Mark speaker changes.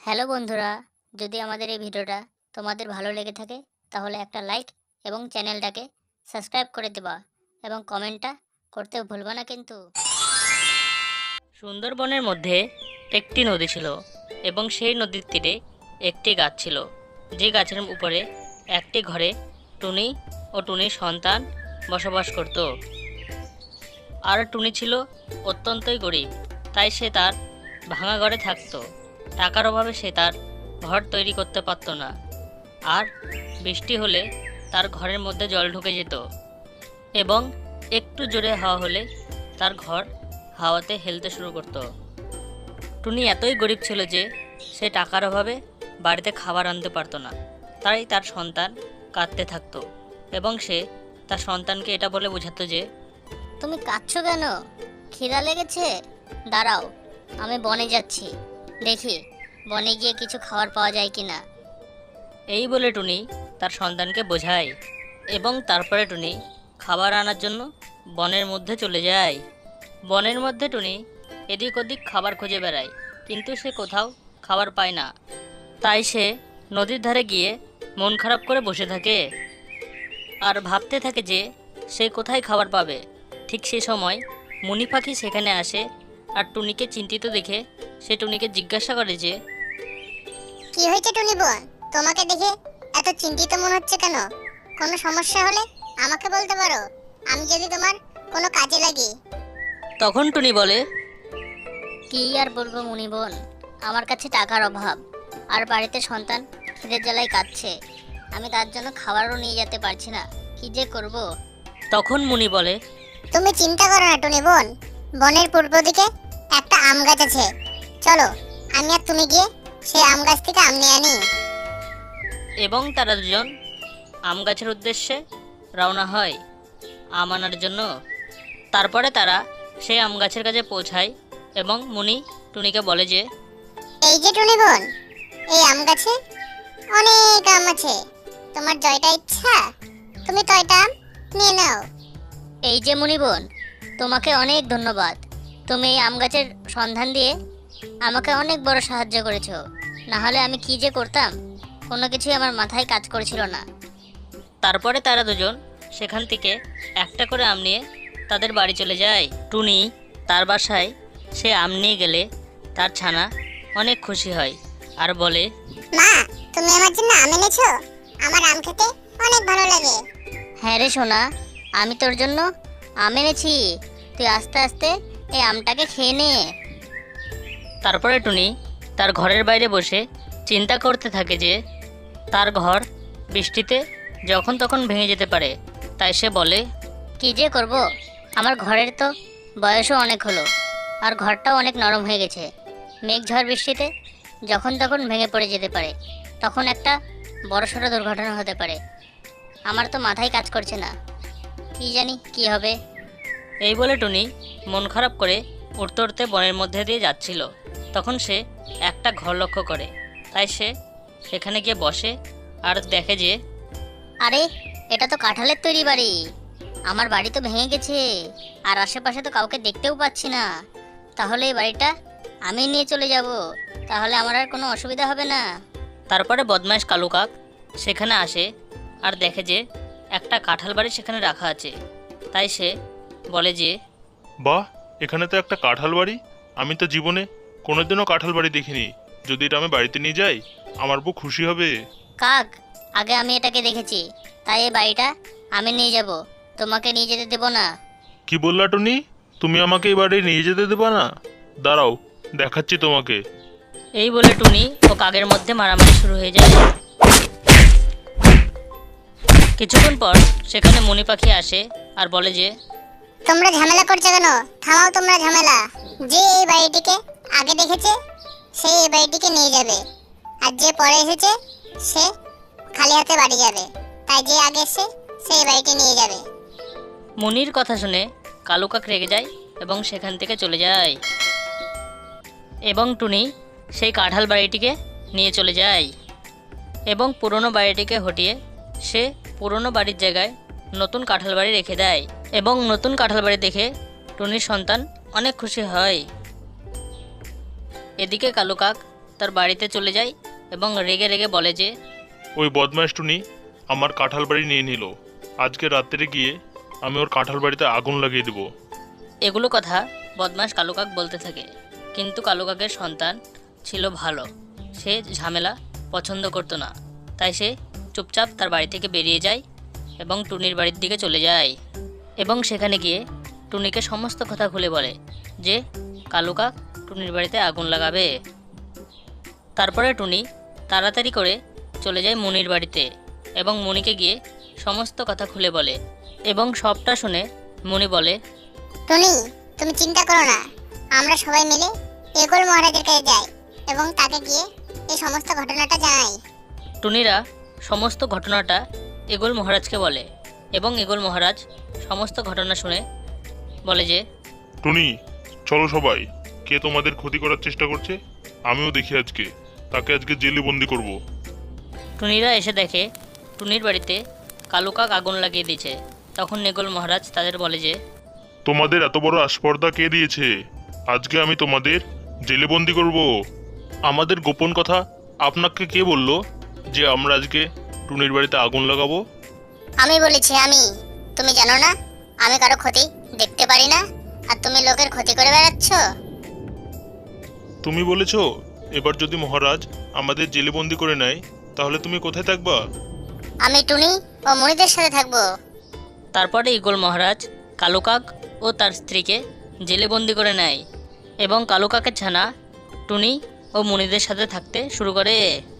Speaker 1: Hello বন্ধুরা, যদি আমাদের এই ভিডিওটা তোমাদের ভালো লেগে থাকে তাহলে একটা লাইক এবং চ্যানেলটাকে সাবস্ক্রাইব করে দেবা এবং কমেন্টটা করতে ভুলবা না কিন্তু।
Speaker 2: সুন্দরবনের মধ্যে একটি নদী ছিল এবং সেই নদীর তীরে একটি গাছ ছিল, যে গাছের উপরে একটি ঘরে টুনি ও টুনির সন্তান বসবাস করত। আর টুনি ছিল অত্যন্তই গরিব, তাই সে তার ভাঙা ঘরে থাকতো। টাকার অভাবে সে তার ঘর তৈরি করতে পারত না, আর বৃষ্টি হলে তার ঘরের মধ্যে জল ঢুকে যেত এবং একটু জোরে হাওয়া হলে তার ঘর হাওয়াতে হেলতে শুরু করত। টুনি এতই গরিব ছিল যে সে টাকার অভাবে বাড়িতে খাবার আনতে পারতো না, তাই তার সন্তান কাঁদতে থাকতো এবং সে তার সন্তানকে এটা বলে বোঝাতো যে
Speaker 1: তুমি কাঁদছো কেন? খিদা লেগেছে? দাঁড়াও, আমি বনে যাচ্ছি, দেখি বনে গিয়ে কিছু খাবার পাওয়া যায় কিনা।
Speaker 2: এই বলে টুনি তার সন্তানকে বোঝায় এবং তারপরে টুনি খাবার আনার জন্য বনের মধ্যে চলে যায়। বনের মধ্যে টুনি এদিক ওদিক খাবার খুঁজে বেড়ায়, কিন্তু সে কোথাও খাবার পায় না। তাই সে নদীর ধারে গিয়ে মন খারাপ করে বসে থাকে আর ভাবতে থাকে যে সে কোথায় খাবার পাবে। ঠিক সেই সময় মণি পাখি সেখানে আসে আর টুনিকে চিন্তিত দেখে সে টুনিকে জিজ্ঞাসা করে যে
Speaker 3: কি হয়েছে টুনি বোন? তোমাকে দেখে এত চিন্তিত মনে হচ্ছে কেন? কোনো সমস্যা হলে আমাকে বলতে পারো, আমি যদি তোমার কোনো কাজে লাগি।
Speaker 2: তখন টুনি বলে,
Speaker 1: কি আর বলবো মুনি বোন, আমার কাছে টাকার অভাব, আর বাড়িতে সন্তান খিদের জ্বালায় কাঁদছে, আমি তার জন্য খাবারও নিয়ে যেতে পারছি না, কি যে করব।
Speaker 2: তখন মুনি বলে,
Speaker 3: তুমি চিন্তা করো না টুনি বোন, বনের পূর্ব দিকে একটা আম গাছ আছে, চলো আমি আর তুমি গিয়ে সেই আম গাছ থেকে আম নিয়ে আনি।
Speaker 2: এবং তারা দুজন আম গাছের উদ্দেশ্যে রওনা হয় আম আনার জন্য। তারপরে তারা সেই আম গাছের কাছে পৌঁছায় এবং মুনি টুনিকে বলে যে
Speaker 3: এই যে টুনি বোন, এই আম গাছে অনেক আম আছে, তোমার জয়টা ইচ্ছা তুমি তয়টা আম নিয়ে নাও।
Speaker 1: এই যে মুনি বোন, তোমাকে অনেক ধন্যবাদ, তুমি এই আম গাছের সন্ধান দিয়ে আমাকে অনেক বড় সাহায্য করেছো, না হলে আমি কি যে করতাম কোনো কিছুই আমার মাথায় কাজ করেছিল না।
Speaker 2: তারপরে তারা দুজন সেখান থেকে একটা করে আম নিয়ে তাদের বাড়ি চলে যায়। টুনি তার বাসায় সে আম নিয়ে গেলে তার ছানা অনেক খুশি হয় আর বলে,
Speaker 3: মা, তুমি আমার জন্য আম এনেছো? আমার আম খেতে অনেক ভালো লাগে।
Speaker 1: হ্যাঁ রে সোনা, আমি তোর জন্য আম এনেছি, তুই আস্তে আস্তে এই আমটাকে খেয়ে নে।
Speaker 2: তারপরে টুনি তার ঘরের বাইরে বসে চিন্তা করতে থাকে যে তার ঘর বৃষ্টিতে যখন তখন ভেঙে যেতে পারে। তাই সে বলে,
Speaker 1: কি যে করব, আমার ঘরের তো বয়সও অনেক হলো, আর ঘরটাও অনেক নরম হয়ে গেছে, মেঘ ঝড় বৃষ্টিতে যখন তখন ভেঙে পড়ে যেতে পারে, তখন একটা বড়সড় দুর্ঘটনা হতে পারে। আমার তো মাথায় কাজ করছে না, কি জানি কি হবে।
Speaker 2: এই বলে টুনি মন খারাপ করে উঠতে উঠতে বনের মধ্যে দিয়ে যাচ্ছিল। তখন সে একটা ঘর লক্ষ্য করে, তাই সে সেখানে গিয়ে বসে আর দেখে যে
Speaker 1: আরে, এটা তো কাঁঠালের তৈরি বাড়ি, আমার বাড়ি তো ভেঙে গেছে, আর আশেপাশে তো কাউকে দেখতেও পাচ্ছি না, তাহলে এই বাড়িটা আমি নিয়ে চলে যাব, তাহলে আমার আর কোনো অসুবিধা হবে না।
Speaker 2: তারপরে বদমাইশ কালু কাক সেখানে আসে আর দেখে যে একটা কাঁঠাল বাড়ি সেখানে রাখা আছে। তাই সে বলে যে
Speaker 4: বাহ, এখানে তো একটা কাঁঠাল বাড়ি। আমি তো জীবনে কোনোদিনও কাঁঠাল বাড়ি দেখিনি। যদি এটা আমি বাড়িতে নিয়ে যাই, আমার বউ খুশি হবে।
Speaker 1: কাক, আগে আমি এটাকে দেখেছি, তাই এই বাড়িটা আমি নিয়ে যাব, তোমাকে নিয়ে যেতে দেবো না।
Speaker 4: কি বললা টুনি? তুমি আমাকে এই বাড়ি নিয়ে যেতে দেবা না? দাঁড়াও, দেখাচ্ছি তোমাকে।
Speaker 2: এই বলে টুনি ও কাকের মধ্যে মারামারি শুরু হয়ে যায়। কিছুক্ষণ পর সেখানে মণি পাখি আসে আর বলে যে
Speaker 3: তোমরা ঝামেলা করছো কেন? থামাও তোমরা ঝামেলা। যে এই বাড়িটিকে আগে দেখেছে সে এই বাড়িটিকে নিয়ে যাবে, আর যে পরে এসেছে সে খালি হাতে বাড়ি যাবে। তাই যে আগে এসে সে এই বাড়িটি নিয়ে যাবে।
Speaker 2: মনির কথা শুনে কালু কাক রেগে যায় এবং সেখান থেকে চলে যায় এবং টুনি সেই কাঁঠাল বাড়িটিকে নিয়ে চলে যায় এবং পুরনো বাড়িটিকে হটিয়ে সে পুরনো বাড়ির জায়গায় নতুন কাঁঠাল বাড়ি রেখে দেয় এবং নতুন কাঁঠাল বাড়ি দেখে টুনির সন্তান অনেক খুশি হয়। এদিকে কালু কাক তার বাড়িতে চলে যায় এবং রেগে রেগে বলে যে
Speaker 4: ওই বদমাইশ টুনি আমার কাঁঠাল বাড়ি নিয়ে নিল। আজকে রাত্রে গিয়ে আমি ওর কাঁঠাল বাড়িতে আগুন লাগিয়ে দেবো।
Speaker 2: এগুলো কথা বদমাশ কালু কাক বলতে থাকে, কিন্তু কালু কাকের সন্তান ছিল ভালো। সে ঝামেলা পছন্দ করতো না, তাই সে চুপচাপ তার বাড়ি থেকে বেরিয়ে যায় এবং টুনির বাড়ির দিকে চলে যায় এবং সেখানে গিয়ে টুনিকে সমস্ত কথা খুলে বলে যে কালু কাক টুনির বাড়িতে আগুন লাগাবে। তারপরে টুনি তাড়াতাড়ি করে চলে যায় মুনির বাড়িতে এবং মুনিকে গিয়ে সমস্ত কথা খুলে বলে এবং সবটা শুনে মুনি বলে,
Speaker 3: টুনি, তুমি চিন্তা করো না, আমরা সবাই মিলে এগোল মহারাজের কাছে যাই এবং তাকে গিয়ে এই সমস্ত ঘটনাটা জানাই।
Speaker 2: টুনিরা সমস্ত ঘটনাটা এগোল মহারাজকে বলে এবং এগোল মহারাজ সমস্ত ঘটনা শুনে বলে যে
Speaker 4: টুনি, চলো সবাই, কে তোমাদের ক্ষতি করার চেষ্টা করছে আমিও দেখি আজকে, তাকে আজকে জেলে বন্দি করব।
Speaker 2: টুনিরা এসে দেখে টুনির বাড়িতে কালু কাক আগুন লাগিয়ে দিয়েছে। তখন নেগোল মহারাজ তাদের বলে যে
Speaker 4: তোমাদের এত বড় আস্পর্ধা কে দিয়েছে? আজকে আমি তোমাদের জেলে বন্দি করব। আমাদের গোপন কথা আপনাকে কে বলল যে আমরা আজকে টুনির বাড়িতে আগুন লাগাবো?
Speaker 3: আমি বলেছি, আমি। তুমি জানো না আমি কারো ক্ষতি দেখতে পারি না, আর তুমি লোকের ক্ষতি করে বেড়াচ্ছ।
Speaker 4: তুমি বলেছো এবার যদি মহারাজ আমাদের জেলে বন্দি করে নেয় তাহলে তুমি কোথায় থাকবা?
Speaker 3: আমি টুনি ও মণিদের সাথে থাকবো।
Speaker 2: তারপরে ইগল মহারাজ কালু কাক ও তার স্ত্রীকে জেলে বন্দি করে নেয় এবং কালু কাকের ছানা টুনি ও মুনিদের সাথে থাকতে শুরু করে।